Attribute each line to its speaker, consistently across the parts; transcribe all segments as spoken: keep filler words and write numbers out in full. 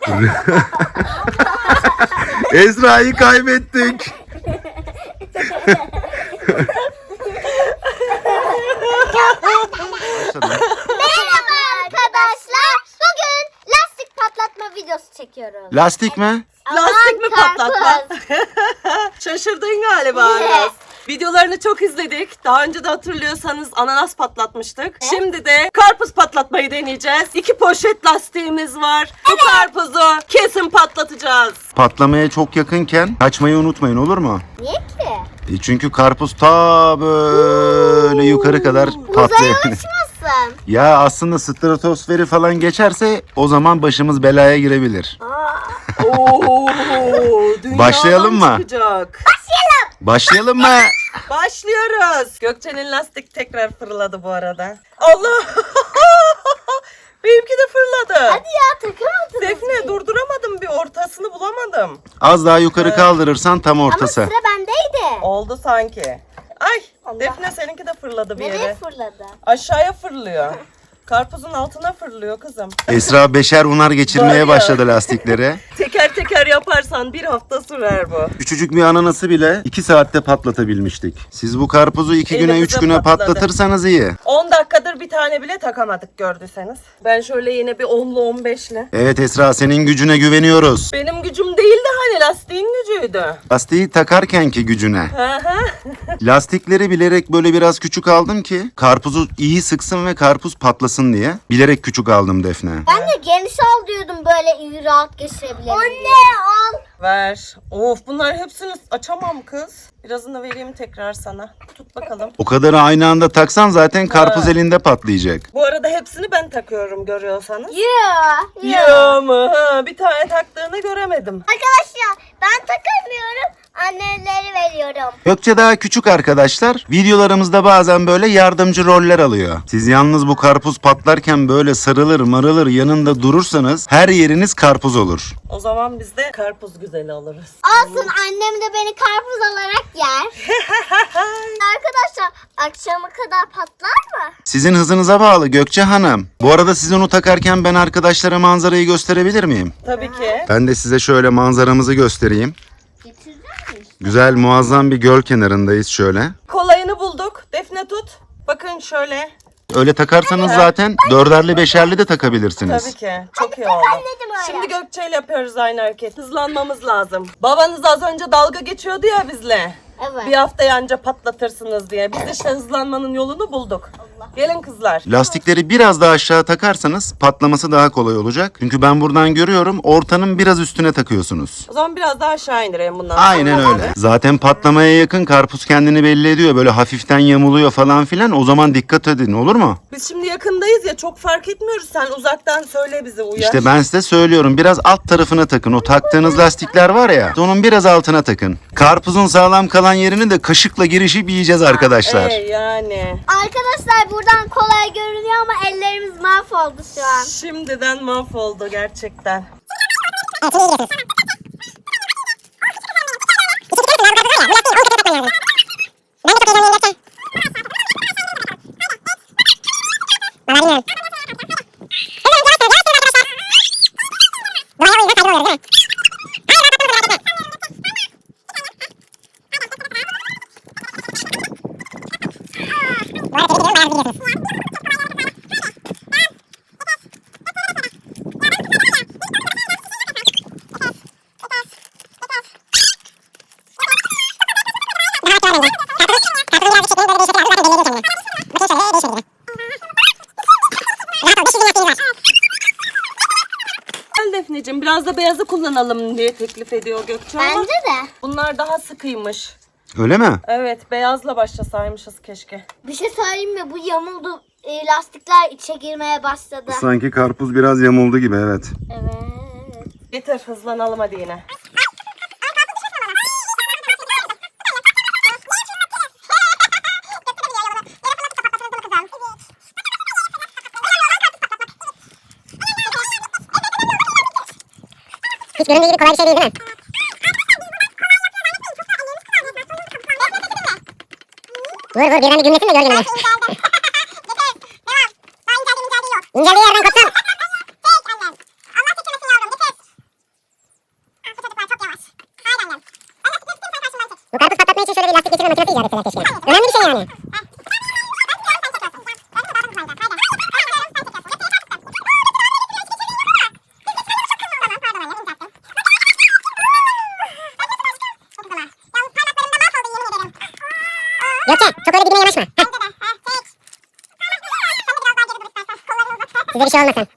Speaker 1: Esra'yı kaybettik.
Speaker 2: Merhaba arkadaşlar. Bugün lastik patlatma videosu çekiyoruz.
Speaker 1: Lastik mi?
Speaker 3: Lastik mi
Speaker 2: Aman
Speaker 3: patlatma?
Speaker 2: karpuz.
Speaker 3: Şaşırdın galiba Aras. Videolarını çok izledik. Daha önce de hatırlıyorsanız ananas patlatmıştık. Şimdi de karpuz patlatmayı deneyeceğiz. İki poşet lastiğimiz var. Bu karpuzu kesin patlatacağız.
Speaker 1: Patlamaya çok yakınken kaçmayı unutmayın, olur mu?
Speaker 2: Niye ki?
Speaker 1: E çünkü karpuz ta böyle yukarı kadar
Speaker 2: Uzaya
Speaker 1: patlayabilir.
Speaker 2: uçmasın.
Speaker 1: Ya aslında stratosferi falan geçerse o zaman başımız belaya girebilir.
Speaker 3: Oo, dünyadan
Speaker 1: Başlayalım mı?
Speaker 3: çıkacak.
Speaker 1: Başlayalım mı?
Speaker 3: Başlıyoruz. Gökçe'nin lastik tekrar fırladı bu arada. Allah! Benimki de fırladı.
Speaker 2: Hadi ya takamadınız.
Speaker 3: Defne durduramadım, bir ortasını bulamadım.
Speaker 1: Az daha yukarı kaldırırsan tam
Speaker 2: Ama
Speaker 1: ortası.
Speaker 2: sıra bendeydi.
Speaker 3: Oldu sanki. Ay,
Speaker 2: Allah.
Speaker 3: Defne seninki de fırladı bir
Speaker 2: Nereye
Speaker 3: yere.
Speaker 2: fırladı?
Speaker 3: Aşağıya fırlıyor. Karpuzun altına fırlıyor kızım.
Speaker 1: Esra beşer unar
Speaker 3: Var
Speaker 1: geçirmeye
Speaker 3: ya.
Speaker 1: başladı lastiklere.
Speaker 3: Teker teker yaparsan bir hafta sürer bu.
Speaker 1: Küçücük bir ananası bile iki saatte patlatabilmiştik. Siz bu karpuzu iki güne üç
Speaker 3: Elimize
Speaker 1: güne
Speaker 3: patladı.
Speaker 1: patlatırsanız iyi.
Speaker 3: on dakikadır bir tane bile takamadık gördüyseniz. Ben şöyle yine bir onlu on beşli.
Speaker 1: Evet Esra, senin gücüne güveniyoruz.
Speaker 3: Benim gücüm değildi, hani lastiğin gücüydü.
Speaker 1: Lastiği takarkenki gücüne.
Speaker 3: Hı hı.
Speaker 1: Lastikleri bilerek böyle biraz küçük aldım ki karpuzu iyi sıksın ve karpuz patlasın diye. Bilerek küçük aldım Defne.
Speaker 2: Ben de geniş al diyordum, böyle iyi rahat geçirebilirim. Anne al.
Speaker 3: Ver. Of, bunlar hepsini açamam kız. Birazını vereyim tekrar sana. Tut bakalım.
Speaker 1: O kadarı aynı anda taksan zaten karpuz
Speaker 3: Ha.
Speaker 1: elinde patlayacak.
Speaker 3: Bu arada hepsini ben takıyorum görüyorsanız.
Speaker 2: Ya.
Speaker 3: Ya mı? Ha, bir tane taktığını göremedim.
Speaker 2: Arkadaşlar ben takamıyorum. Anneleri veriyorum.
Speaker 1: Gökçe daha küçük arkadaşlar. Videolarımızda bazen böyle yardımcı roller alıyor. Siz yalnız bu karpuz patlarken böyle sarılır marılır yanında durursanız her yeriniz karpuz olur.
Speaker 3: O zaman biz de karpuz güzeli alırız.
Speaker 2: Olsun, annem de beni karpuz olarak yer. Arkadaşlar akşama kadar patlar mı?
Speaker 1: Sizin hızınıza bağlı Gökçe Hanım. Bu arada siz onu takarken ben arkadaşlara manzarayı gösterebilir miyim?
Speaker 3: Tabii ki.
Speaker 1: Ben de size şöyle manzaramızı göstereyim.
Speaker 2: Getirecek misin?
Speaker 1: Güzel muazzam bir göl kenarındayız şöyle.
Speaker 3: Kolayını bulduk. Defne tut. Bakın şöyle.
Speaker 1: Öyle takarsanız zaten dörderli beşerli de takabilirsiniz.
Speaker 3: Tabii ki. Çok iyi oldu.
Speaker 2: Anladım öyle.
Speaker 3: Şimdi Gökçe ile yapıyoruz aynı hareket. Hızlanmamız lazım. Babanız az önce dalga geçiyordu ya bizle.
Speaker 2: Evet.
Speaker 3: Bir haftaya anca patlatırsınız diye. Biz işte hızlanmanın yolunu bulduk. Gelin kızlar.
Speaker 1: Lastikleri biraz daha aşağı takarsanız patlaması daha kolay olacak. Çünkü ben buradan görüyorum ortanın biraz üstüne takıyorsunuz.
Speaker 3: O zaman biraz daha aşağı indirelim bundan sonra.
Speaker 1: Aynen öyle. Zaten patlamaya yakın karpuz kendini belli ediyor. Böyle hafiften yamuluyor falan filan. O zaman dikkat edin, olur mu?
Speaker 3: Biz şimdi yakındayız ya, çok fark etmiyoruz. Sen uzaktan söyle bize, uyar.
Speaker 1: İşte ben size söylüyorum, biraz alt tarafına takın. O taktığınız lastikler var ya, onun biraz altına takın. Karpuzun sağlam kalan yerini de kaşıkla girişip yiyeceğiz arkadaşlar.
Speaker 3: Ee, yani.
Speaker 2: Arkadaşlar buradan kolay görünüyor ama ellerimiz mahvoldu şu an.
Speaker 3: Şimdiden mahvoldu gerçekten. Gel Defneciğim, biraz da beyazı kullanalım diye teklif ediyor Gökçe ama
Speaker 2: Bence de.
Speaker 3: bunlar daha sıkıymış.
Speaker 1: Öyle mi?
Speaker 3: Evet, beyazla başlasaymışız keşke.
Speaker 2: Bir şey söyleyeyim mi? Bu yamuldu. E, lastikler içe girmeye başladı.
Speaker 1: Sanki karpuz biraz yamuldu gibi, evet.
Speaker 2: Evet.
Speaker 3: Getir, hızlanalım hadi yine.
Speaker 4: Hiç göründüğü gibi kolay bir şey değil, değil mi? Vur vur, birden bir gümlesin de gör gününü. İnceldiği yerden kopsun. lastik geçirme makinesi icat etseler keşke. Önemli bir şey yani. Gökçe çok öyle dibine yanaşma. Heh. Size bir şey olmasın.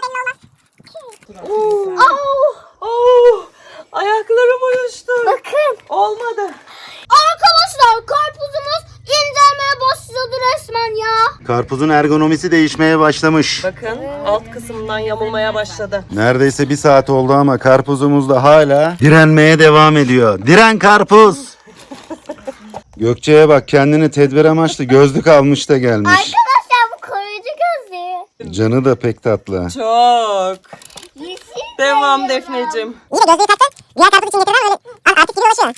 Speaker 3: Oh, oh, ayaklarım uyuştu.
Speaker 2: Bakın.
Speaker 3: Olmadı.
Speaker 2: Arkadaşlar karpuzumuz incelmeye başladı resmen ya.
Speaker 1: Karpuzun ergonomisi değişmeye başlamış.
Speaker 3: Bakın alt kısmından yamulmaya başladı.
Speaker 1: Neredeyse bir saat oldu ama karpuzumuz da hala direnmeye devam ediyor. Diren karpuz. Gökçe'ye bak, kendini tedbir amaçlı gözlük almış da gelmiş.
Speaker 2: Arkadaşlar bu koruyucu gözlüğü.
Speaker 1: Canı da pek tatlı.
Speaker 3: Çok.
Speaker 2: Yeşil.
Speaker 3: Devam Defneciğim.
Speaker 4: İyi de gözlüğü taktın. Diğer karpuz için getirmen öyle ar- artık gibi ulaşıyor.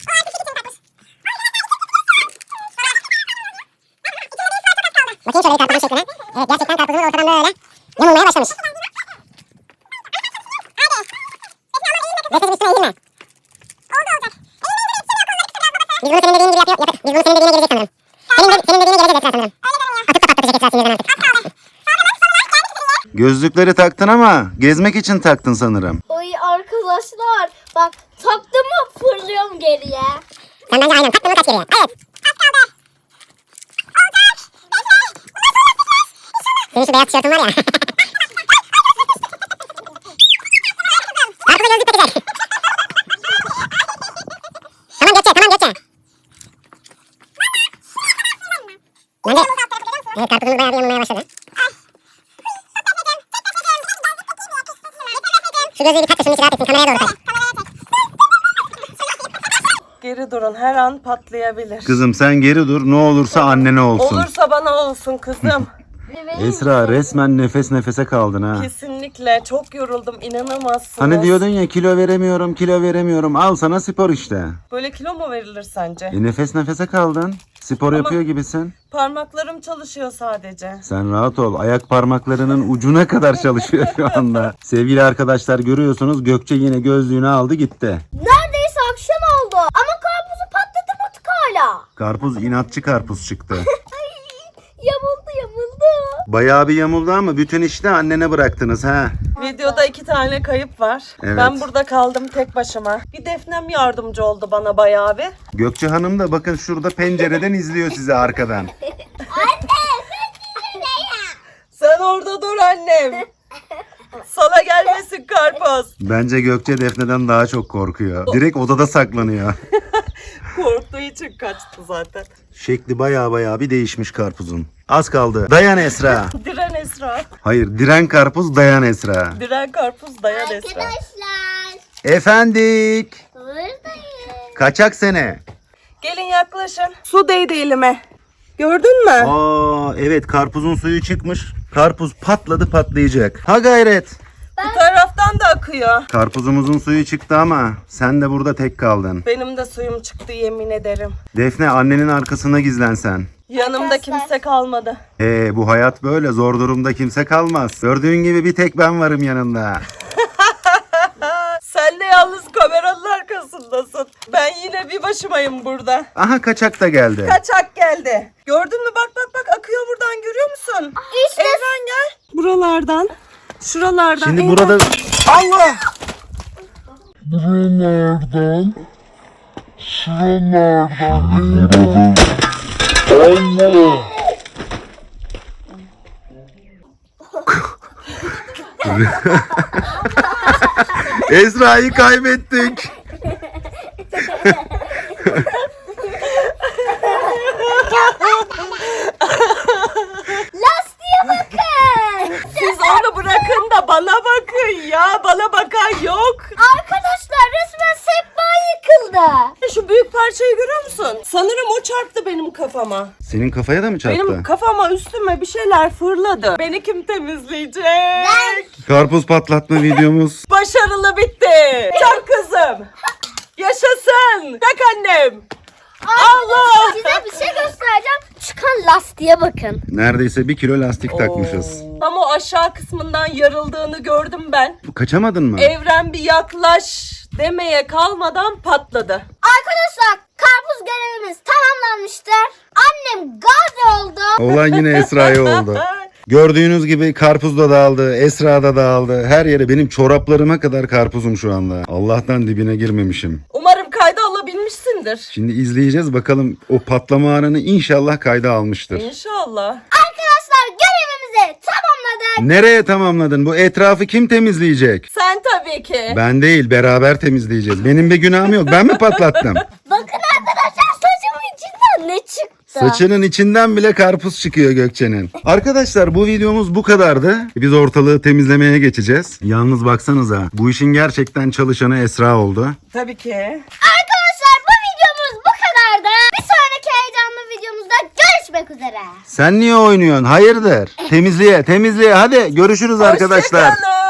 Speaker 4: Bakayım şöyle karpuzun şekline. Evet, gerçekten karpuzumuz ortadan böyle yamulmaya başlamış. Defne'cim üstüne eğilme. Biz bunu senin dediğin gibi yapıyor, yapıp, biz bunu senin dediğine gireceğiz sanırım. Senin, de, senin dediğine gireceğiz Esra sanırım. Atıp da patlatacak Esra sinirden artık.
Speaker 1: Gözlükleri taktın ama gezmek için taktın sanırım.
Speaker 2: Oy arkadaşlar bak taktım mı fırlıyorum geriye.
Speaker 4: Sen bence aynen taktın mı kaç geriye. Evet. Senin şu beyaz tişörtün var ya. Karpuza gözlük takacak. Tamam Gökçe, tamam Gökçe. Bence... Evet, karpuzumuz bayağı bir yanılmaya başladı. Şu gözlüğü bir tak da şunun içi rahat etsin. Kameraya doğru tak.
Speaker 3: Geri durun, her an patlayabilir.
Speaker 1: Kızım sen geri dur, ne olursa annene olsun.
Speaker 3: Olursa bana olsun kızım.
Speaker 1: Esra resmen nefes nefese kaldın ha.
Speaker 3: Kesinlikle çok yoruldum, inanamazsınız.
Speaker 1: Hani diyordun ya kilo veremiyorum, kilo veremiyorum. Al sana spor işte.
Speaker 3: Böyle kilo mu verilir sence?
Speaker 1: E nefes nefese kaldın. Spor yapıyor gibisin.
Speaker 3: Parmaklarım çalışıyor sadece.
Speaker 1: Sen rahat ol. Ayak parmaklarının ucuna kadar çalışıyor şu anda. Sevgili arkadaşlar, görüyorsunuz Gökçe yine gözlüğünü aldı gitti.
Speaker 2: Neredeyse akşam oldu ama karpuzu patlatamadık hala.
Speaker 1: Karpuz inatçı karpuz çıktı.
Speaker 2: Yamuldu yamuldu.
Speaker 1: Bayağı bir yamuldu ama bütün işi annene bıraktınız ha.
Speaker 3: Videoda iki tane kayıp var.
Speaker 1: Evet.
Speaker 3: Ben burada kaldım tek başıma. Bir Defnem yardımcı oldu bana bayağı bir.
Speaker 1: Gökçe Hanım da bakın şurada pencereden izliyor sizi arkadan.
Speaker 3: Sen orada dur annem. Sana gelmesin karpuz.
Speaker 1: Bence Gökçe Defne'den daha çok korkuyor. Direkt odada saklanıyor.
Speaker 3: Korktuğu için kaçtı zaten.
Speaker 1: Şekli bayağı bayağı bir değişmiş karpuzun. Az kaldı. Dayan Esra.
Speaker 3: Diren Esra.
Speaker 1: Hayır, diren karpuz, dayan Esra.
Speaker 3: Diren karpuz dayan Esra.
Speaker 2: Arkadaşlar
Speaker 1: Efendik.
Speaker 2: buradayım.
Speaker 1: Kaçak sene.
Speaker 3: Gelin yaklaşın. Su değdi elime. Gördün mü?
Speaker 1: Aa evet, karpuzun suyu çıkmış. Karpuz patladı, patlayacak. Ha gayret.
Speaker 3: Bu taraftan da akıyor.
Speaker 1: Karpuzumuzun suyu çıktı ama sen de burada tek kaldın.
Speaker 3: Benim de suyum çıktı yemin ederim.
Speaker 1: Defne, annenin arkasına gizlen sen.
Speaker 3: Yanımda kimse kalmadı.
Speaker 1: Ee, bu hayat böyle, zor durumda kimse kalmaz. Gördüğün gibi bir tek ben varım yanında.
Speaker 3: Sen de yalnız kameranın arkasındasın. Ben yine bir başımayım burada.
Speaker 1: Aha, kaçak da geldi.
Speaker 3: Kaçak geldi. Gördün mü? Bak bak bak akıyor buradan, görüyor musun?
Speaker 2: İşte
Speaker 3: Evren gel. Buralardan. Şuralardan.
Speaker 1: Şimdi
Speaker 3: Eyvah.
Speaker 1: burada... Allah!
Speaker 5: Buralardan, şuralardan, Allah!
Speaker 1: Esra'yı kaybettik.
Speaker 2: lastiğe bakın.
Speaker 3: Siz onu bırakın da bana bakın ya. Bana bakan yok.
Speaker 2: Arkadaşlar resmen sehpa yıkıldı.
Speaker 3: Şu büyük parçayı görüyor musun? Sanırım o çarptı benim kafama.
Speaker 1: Senin kafaya da mı çarptı?
Speaker 3: Benim kafama üstüme bir şeyler fırladı. Beni kim temizleyecek?
Speaker 1: Karpuz patlatma videomuz.
Speaker 3: Başarılı bitti. Çak kızım. Yaşasın. Çak annem. Allah.
Speaker 2: Size bir şey göstereceğim. Çıkan lastiğe bakın.
Speaker 1: Neredeyse bir kilo lastik takmışız.
Speaker 3: Tam o aşağı kısmından yarıldığını gördüm ben.
Speaker 1: Kaçamadın mı?
Speaker 3: Evren bir yaklaş demeye kalmadan patladı.
Speaker 2: Arkadaşlar karpuz görevimiz tamamlanmıştır. Annem gazi oldu.
Speaker 1: Olan yine Esra'ya oldu. Gördüğünüz gibi karpuz da dağıldı, Esra da dağıldı. Her yere benim çoraplarıma kadar karpuzum şu anda. Allah'tan dibine girmemişim.
Speaker 3: Umarım kayda alabilmişsindir.
Speaker 1: Şimdi izleyeceğiz bakalım o patlama anını inşallah kayda almıştır.
Speaker 3: İnşallah.
Speaker 2: Arkadaşlar görevimizi tamamladık.
Speaker 1: Nereye tamamladın? Bu etrafı kim temizleyecek?
Speaker 3: Sen tabii ki.
Speaker 1: Ben değil, beraber temizleyeceğiz. Benim bir günahım yok. Ben mi patlattım?
Speaker 2: Bakın arkadaşlar saçımın içinden ne çıktı?
Speaker 1: Saçının içinden bile karpuz çıkıyor Gökçe'nin. Arkadaşlar bu videomuz bu kadardı. Biz ortalığı temizlemeye geçeceğiz. Yalnız baksanıza bu işin gerçekten çalışanı Esra oldu.
Speaker 3: Tabii ki.
Speaker 2: Arkadaşlar bu videomuz bu kadardı. Bir sonraki heyecanlı videomuzda görüşmek üzere.
Speaker 1: Sen niye oynuyorsun? Hayırdır? Temizliğe, temizliğe. Hadi görüşürüz arkadaşlar.
Speaker 3: Hoşçakalın.